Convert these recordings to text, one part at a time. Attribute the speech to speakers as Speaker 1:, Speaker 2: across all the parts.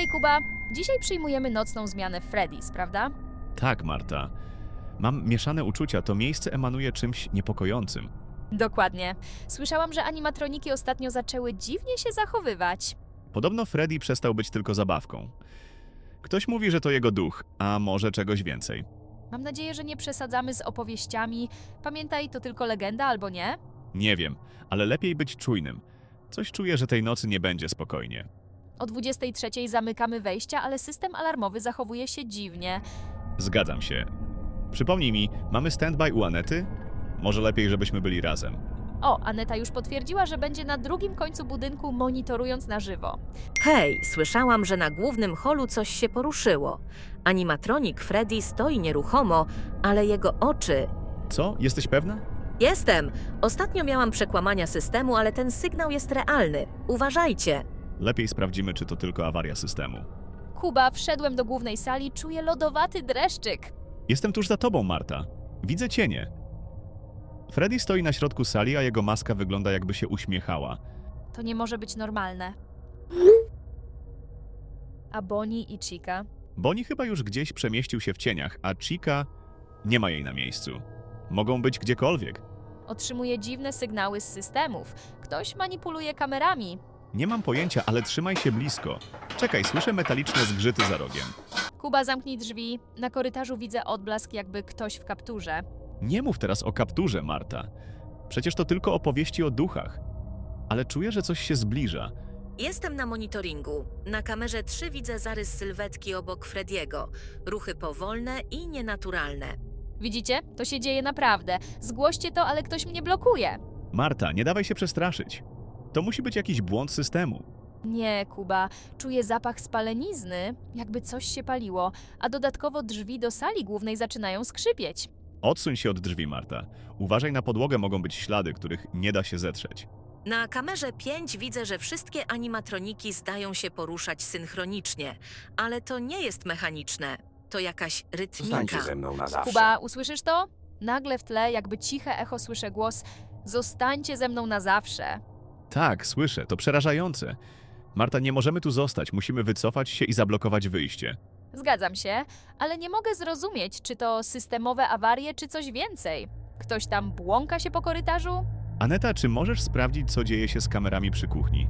Speaker 1: Hej Kuba, dzisiaj przyjmujemy nocną zmianę w Freddy's, prawda?
Speaker 2: Tak, Marta. Mam mieszane uczucia, to miejsce emanuje czymś niepokojącym.
Speaker 1: Dokładnie. Słyszałam, że animatroniki ostatnio zaczęły dziwnie się zachowywać.
Speaker 2: Podobno Freddy przestał być tylko zabawką. Ktoś mówi, że to jego duch, a może czegoś więcej.
Speaker 1: Mam nadzieję, że nie przesadzamy z opowieściami. Pamiętaj, to tylko legenda albo nie?
Speaker 2: Nie wiem, ale lepiej być czujnym. Coś czuję, że tej nocy nie będzie spokojnie.
Speaker 1: O 23:00 zamykamy wejścia, ale system alarmowy zachowuje się dziwnie.
Speaker 2: Zgadzam się. Przypomnij mi, mamy standby u Anety? Może lepiej, żebyśmy byli razem.
Speaker 1: O, Aneta już potwierdziła, że będzie na drugim końcu budynku monitorując na żywo.
Speaker 3: Hej, słyszałam, że na głównym holu coś się poruszyło. Animatronik Freddy stoi nieruchomo, ale jego oczy...
Speaker 2: Co? Jesteś pewna?
Speaker 3: Jestem! Ostatnio miałam przekłamania systemu, ale ten sygnał jest realny. Uważajcie!
Speaker 2: Lepiej sprawdzimy, czy to tylko awaria systemu.
Speaker 1: Kuba, wszedłem do głównej sali, czuję lodowaty dreszczyk.
Speaker 2: Jestem tuż za tobą, Marta. Widzę cienie. Freddy stoi na środku sali, a jego maska wygląda, jakby się uśmiechała.
Speaker 1: To nie może być normalne. A Bonnie i Chica?
Speaker 2: Bonnie chyba już gdzieś przemieścił się w cieniach, a Chica nie ma jej na miejscu. Mogą być gdziekolwiek.
Speaker 1: Otrzymuje dziwne sygnały z systemów. Ktoś manipuluje kamerami.
Speaker 2: Nie mam pojęcia, ale trzymaj się blisko. Czekaj, słyszę metaliczne zgrzyty za rogiem.
Speaker 1: Kuba, zamknij drzwi. Na korytarzu widzę odblask, jakby ktoś w kapturze.
Speaker 2: Nie mów teraz o kapturze, Marta. Przecież to tylko opowieści o duchach. Ale czuję, że coś się zbliża.
Speaker 3: Jestem na monitoringu. Na kamerze 3 widzę zarys sylwetki obok Frediego. Ruchy powolne i nienaturalne.
Speaker 1: Widzicie? To się dzieje naprawdę. Zgłoście to, ale ktoś mnie blokuje.
Speaker 2: Marta, nie dawaj się przestraszyć. To musi być jakiś błąd systemu.
Speaker 1: Nie, Kuba. Czuję zapach spalenizny, jakby coś się paliło, a dodatkowo drzwi do sali głównej zaczynają skrzypieć.
Speaker 2: Odsuń się od drzwi, Marta. Uważaj, na podłogę mogą być ślady, których nie da się zetrzeć.
Speaker 3: Na kamerze 5 widzę, że wszystkie animatroniki zdają się poruszać synchronicznie, ale to nie jest mechaniczne. To jakaś rytmika.
Speaker 4: Zostańcie ze mną na zawsze.
Speaker 1: Kuba, usłyszysz to? Nagle w tle, jakby ciche echo, słyszę głos: zostańcie ze mną na zawsze.
Speaker 2: Tak, słyszę, to przerażające. Marta, nie możemy tu zostać, musimy wycofać się i zablokować wyjście.
Speaker 1: Zgadzam się, ale nie mogę zrozumieć, czy to systemowe awarie, czy coś więcej. Ktoś tam błąka się po korytarzu?
Speaker 2: Aneta, czy możesz sprawdzić, co dzieje się z kamerami przy kuchni?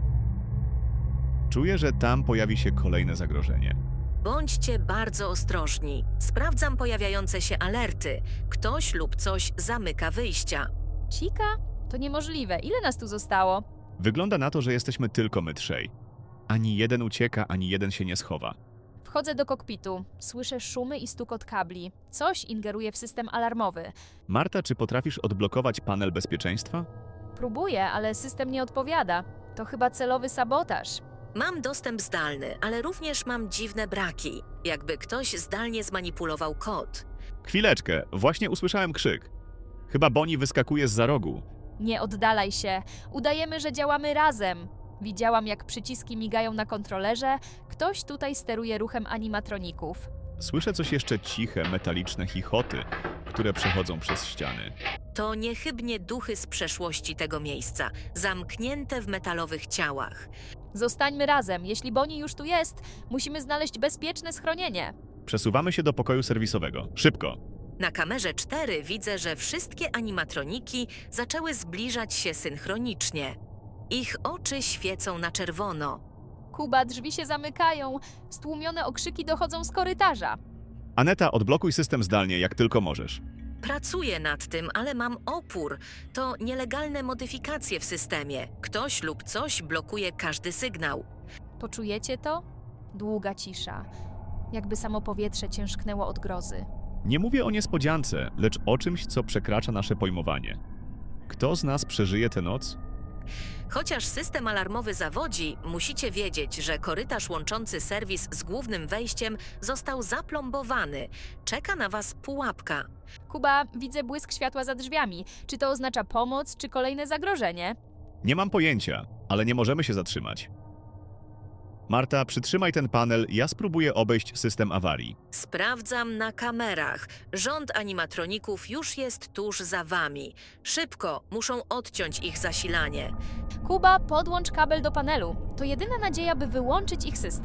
Speaker 2: Czuję, że tam pojawi się kolejne zagrożenie.
Speaker 3: Bądźcie bardzo ostrożni. Sprawdzam pojawiające się alerty. Ktoś lub coś zamyka wyjścia.
Speaker 1: Chica? To niemożliwe. Ile nas tu zostało?
Speaker 2: Wygląda na to, że jesteśmy tylko my trzej. Ani jeden ucieka, ani jeden się nie schowa.
Speaker 1: Wchodzę do kokpitu. Słyszę szumy i stukot kabli. Coś ingeruje w system alarmowy.
Speaker 2: Marta, czy potrafisz odblokować panel bezpieczeństwa?
Speaker 1: Próbuję, ale system nie odpowiada. To chyba celowy sabotaż.
Speaker 3: Mam dostęp zdalny, ale również mam dziwne braki. Jakby ktoś zdalnie zmanipulował kod.
Speaker 2: Chwileczkę, właśnie usłyszałem krzyk. Chyba Bonnie wyskakuje zza rogu.
Speaker 1: Nie oddalaj się. Udajemy, że działamy razem. Widziałam, jak przyciski migają na kontrolerze. Ktoś tutaj steruje ruchem animatroników.
Speaker 2: Słyszę coś jeszcze ciche, metaliczne chichoty, które przechodzą przez ściany.
Speaker 3: To niechybnie duchy z przeszłości tego miejsca, zamknięte w metalowych ciałach.
Speaker 1: Zostańmy razem. Jeśli Bonnie już tu jest, musimy znaleźć bezpieczne schronienie.
Speaker 2: Przesuwamy się do pokoju serwisowego. Szybko!
Speaker 3: Na kamerze 4 widzę, że wszystkie animatroniki zaczęły zbliżać się synchronicznie. Ich oczy świecą na czerwono.
Speaker 1: Kuba, drzwi się zamykają. Stłumione okrzyki dochodzą z korytarza.
Speaker 2: Aneta, odblokuj system zdalnie, jak tylko możesz.
Speaker 3: Pracuję nad tym, ale mam opór. To nielegalne modyfikacje w systemie. Ktoś lub coś blokuje każdy sygnał.
Speaker 1: Poczujecie to? Długa cisza. Jakby samo powietrze ciężknęło od grozy.
Speaker 2: Nie mówię o niespodziance, lecz o czymś, co przekracza nasze pojmowanie. Kto z nas przeżyje tę noc?
Speaker 3: Chociaż system alarmowy zawodzi, musicie wiedzieć, że korytarz łączący serwis z głównym wejściem został zaplombowany. Czeka na was pułapka.
Speaker 1: Kuba, widzę błysk światła za drzwiami. Czy to oznacza pomoc, czy kolejne zagrożenie?
Speaker 2: Nie mam pojęcia, ale nie możemy się zatrzymać. Marta, przytrzymaj ten panel, ja spróbuję obejść system awarii.
Speaker 3: Sprawdzam na kamerach. Rząd animatroników już jest tuż za wami. Szybko, muszą odciąć ich zasilanie.
Speaker 1: Kuba, podłącz kabel do panelu. To jedyna nadzieja, by wyłączyć ich system.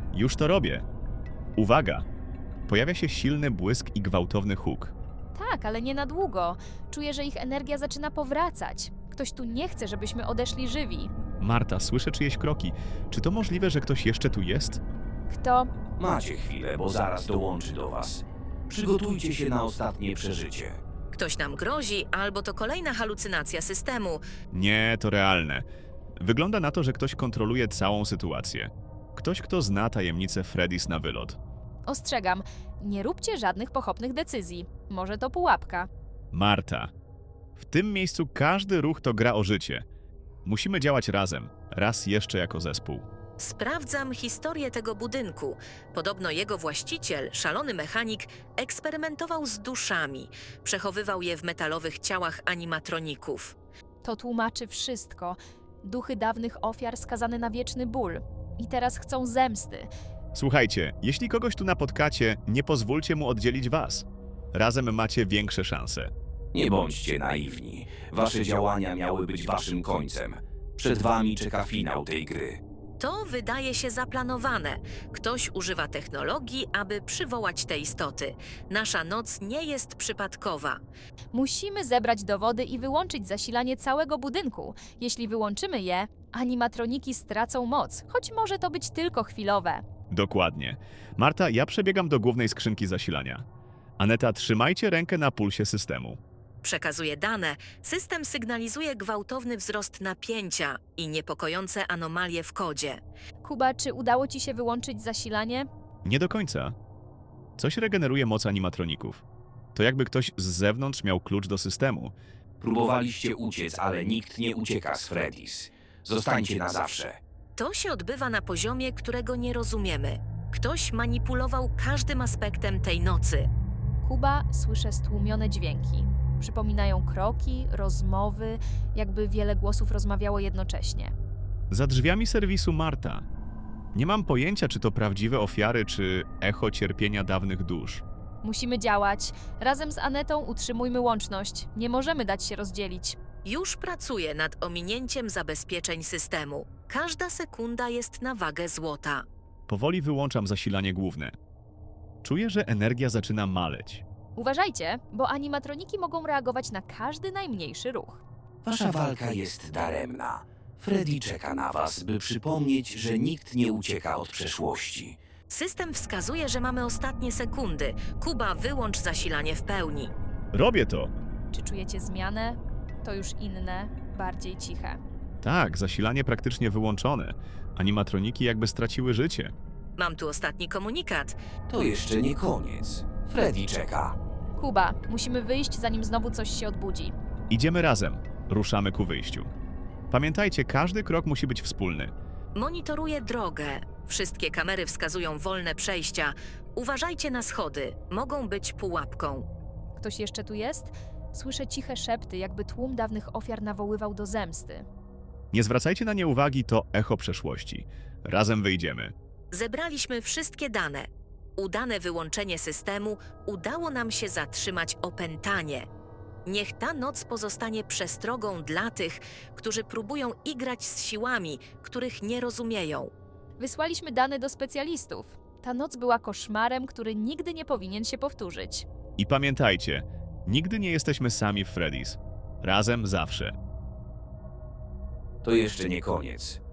Speaker 2: Już to robię. Uwaga! Pojawia się silny błysk i gwałtowny huk.
Speaker 1: Tak, ale nie na długo. Czuję, że ich energia zaczyna powracać. Ktoś tu nie chce, żebyśmy odeszli żywi.
Speaker 2: Marta, słyszę czyjeś kroki. Czy to możliwe, że ktoś jeszcze tu jest?
Speaker 1: Kto?
Speaker 4: Macie chwilę, bo zaraz dołączy do was. Przygotujcie się na ostatnie przeżycie.
Speaker 3: Ktoś nam grozi, albo to kolejna halucynacja systemu.
Speaker 2: Nie, to realne. Wygląda na to, że ktoś kontroluje całą sytuację. Ktoś, kto zna tajemnicę Freddy's na wylot.
Speaker 1: Ostrzegam, nie róbcie żadnych pochopnych decyzji. Może to pułapka.
Speaker 2: Marta. W tym miejscu każdy ruch to gra o życie. Musimy działać razem, raz jeszcze jako zespół.
Speaker 3: Sprawdzam historię tego budynku. Podobno jego właściciel, szalony mechanik, eksperymentował z duszami. Przechowywał je w metalowych ciałach animatroników.
Speaker 1: To tłumaczy wszystko. Duchy dawnych ofiar skazane na wieczny ból. I teraz chcą zemsty.
Speaker 2: Słuchajcie, jeśli kogoś tu napotkacie, nie pozwólcie mu oddzielić was. Razem macie większe szanse.
Speaker 4: Nie bądźcie naiwni. Wasze działania miały być waszym końcem. Przed wami czeka finał tej gry.
Speaker 3: To wydaje się zaplanowane. Ktoś używa technologii, aby przywołać te istoty. Nasza noc nie jest przypadkowa.
Speaker 1: Musimy zebrać dowody i wyłączyć zasilanie całego budynku. Jeśli wyłączymy je, animatroniki stracą moc, choć może to być tylko chwilowe.
Speaker 2: Dokładnie. Marta, ja przebiegam do głównej skrzynki zasilania. Aneta, trzymajcie rękę na pulsie systemu.
Speaker 3: Przekazuje dane, system sygnalizuje gwałtowny wzrost napięcia i niepokojące anomalie w kodzie.
Speaker 1: Kuba, czy udało ci się wyłączyć zasilanie?
Speaker 2: Nie do końca. Coś regeneruje moc animatroników. To jakby ktoś z zewnątrz miał klucz do systemu.
Speaker 4: Próbowaliście uciec, ale nikt nie ucieka z Freddy's. Zostańcie na zawsze.
Speaker 3: To się odbywa na poziomie, którego nie rozumiemy. Ktoś manipulował każdym aspektem tej nocy.
Speaker 1: Kuba, słyszę stłumione dźwięki. Przypominają kroki, rozmowy, jakby wiele głosów rozmawiało jednocześnie.
Speaker 2: Za drzwiami serwisu Marta. Nie mam pojęcia, czy to prawdziwe ofiary, czy echo cierpienia dawnych dusz.
Speaker 1: Musimy działać. Razem z Anetą utrzymujmy łączność. Nie możemy dać się rozdzielić.
Speaker 3: Już pracuje nad ominięciem zabezpieczeń systemu. Każda sekunda jest na wagę złota.
Speaker 2: Powoli wyłączam zasilanie główne. Czuję, że energia zaczyna maleć.
Speaker 1: Uważajcie, bo animatroniki mogą reagować na każdy najmniejszy ruch.
Speaker 4: Wasza walka jest daremna. Freddy czeka na was, by przypomnieć, że nikt nie ucieka od przeszłości.
Speaker 3: System wskazuje, że mamy ostatnie sekundy. Kuba, wyłącz zasilanie w pełni.
Speaker 2: Robię to!
Speaker 1: Czy czujecie zmianę? To już inne, bardziej ciche.
Speaker 2: Tak, zasilanie praktycznie wyłączone. Animatroniki jakby straciły życie.
Speaker 3: Mam tu ostatni komunikat.
Speaker 4: To jeszcze nie koniec. Freddy czeka.
Speaker 1: Kuba, musimy wyjść, zanim znowu coś się odbudzi.
Speaker 2: Idziemy razem. Ruszamy ku wyjściu. Pamiętajcie, każdy krok musi być wspólny.
Speaker 3: Monitoruję drogę. Wszystkie kamery wskazują wolne przejścia. Uważajcie na schody. Mogą być pułapką.
Speaker 1: Ktoś jeszcze tu jest? Słyszę ciche szepty, jakby tłum dawnych ofiar nawoływał do zemsty.
Speaker 2: Nie zwracajcie na nie uwagi, to echo przeszłości. Razem wyjdziemy.
Speaker 3: Zebraliśmy wszystkie dane. Udane wyłączenie systemu udało nam się zatrzymać opętanie. Niech ta noc pozostanie przestrogą dla tych, którzy próbują igrać z siłami, których nie rozumieją.
Speaker 1: Wysłaliśmy dane do specjalistów. Ta noc była koszmarem, który nigdy nie powinien się powtórzyć.
Speaker 2: I pamiętajcie, nigdy nie jesteśmy sami w Freddy's. Razem zawsze.
Speaker 4: To jeszcze nie koniec.